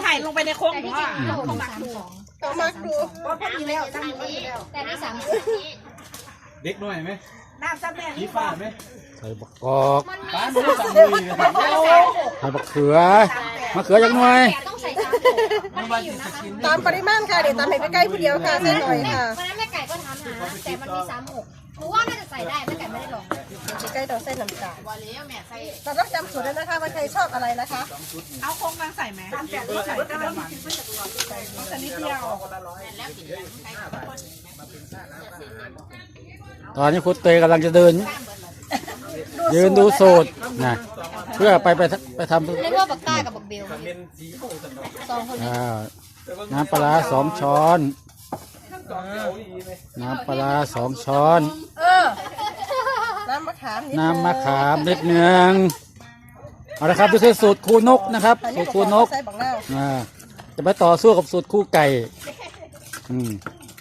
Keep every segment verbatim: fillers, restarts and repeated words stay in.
ส่ลงไปในโค้งหรือว่าเขาหมักดูต้องมาดูว่าพอดีแล้วตั้งพอดีแล้วแต่นี่สามเด็กหน่อยไหมน้ำซับแม่ชี้ฟ้าไหมใส่บักกอกป้าไม่รู้สั่งเลยนะครับใส่บักเขือมะเขือจังหน่อยต้องใส่สามมันมีอยู่นะคะตามปริมาณค่ะเดี๋ยวตามให้ใกล้ๆผู้เดียวค่ะเส้นหน่อยค่ะวันนั้นแม่ไก่ก็ทำนะแต่มันมีสามหกหนูว่าน่าจะใส่ได้แม่ไก่ไม่ได้ลองใกล้ๆต่อเส้นน้ำตาลวันนี้แม่ใส่เราต้องจำสูตรแล้วนะคะว่าใครชอบอะไรนะคะเอาโค้งมาใส่ไหมใส่ใส่ก็ได้มันใส่นิดเดียวตอนนี้คุณเตยกำลังจะเดิน ยืนดูสูตรนะเพื่อไปไปไปทำเรียกว่าบักต้ากับบักเบลสองคนนี้อ่าน้ำปลาร้าสองช้อนน้ำปลาร้าสองช้อนเออน้ำมะขามนิดน้ำมะขามนิดหนึ่งเอาละครับดูสิสูตรครูนกนะครับอันสูนี้ตรก็ครูนกใส่บักนาวอ่าจะไปต่อสู้กับสูตรคู่ไก่อืม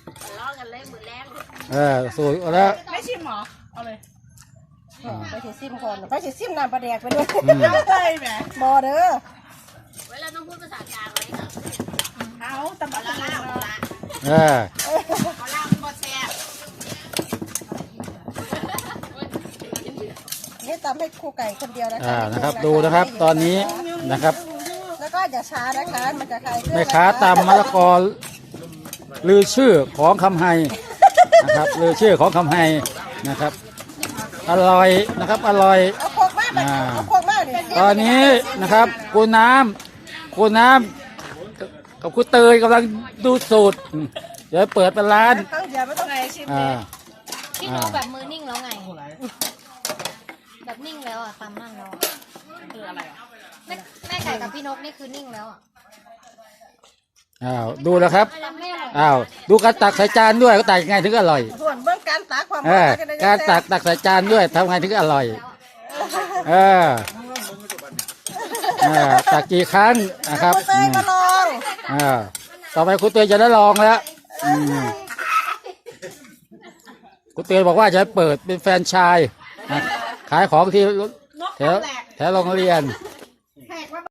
เออสูตรแล้วไม่ชิมหรอเอาเลยไปฉีดซิมก่อนไปฉีดซิมน้ำปลาแดกไปด้วยเอาเลยแม่บอเด้อเอาตำบักล่างเออเขาล่างก็แซ่บนี่ตำให้ครูไก่คนเดียวนะคะอ่านะครับดูนะครับตอนนี้นะครับแล้วก็อย่าช้านะคะมันจะคลายเครื่องแม่ค้าตำมะละกอลือชื่อของคำไฮนะครับลือชื่อของคำไฮนะครับอร่อยนะครับอร่อยเอาโคกมากเลยเอาโคกมากดิตอนนี้นะครับคุณน้ำคุณน้ำกับคุณเตยกำลังดูสูตรอืมเดี๋ยวเปิดเป็นร้านครั้งเดียวไม่ต้องไงชิมอ่าพี่น้องแบบมือนิ่งแล้วไงแบบนิ่งแล้วอ่ะตามนั่งแล้วอะคืออะไรอ่ะแม่แม่ไก่กับพี่นกนี่คือนิ่งแล้วอ่ะอ้าวดูนะครับแล้วแม่หรออ้าวดูการตักใส่จานด้วยก็ตักยังไงถึงอร่อยส่วนเบื้องการตักความเออการตักตักใส่จานด้วยทำไงถึงอร่อยเออเออตักกี่ครั้งนะครับคุณเตยมาลองเออต่อไปคุณเตยจะได้ลองแล้วอืมคุณเตยบอกว่าจะเปิดเป็นแฟรนไชส์นะขายของที่นกแถวแหลกแถวโรงเรียนน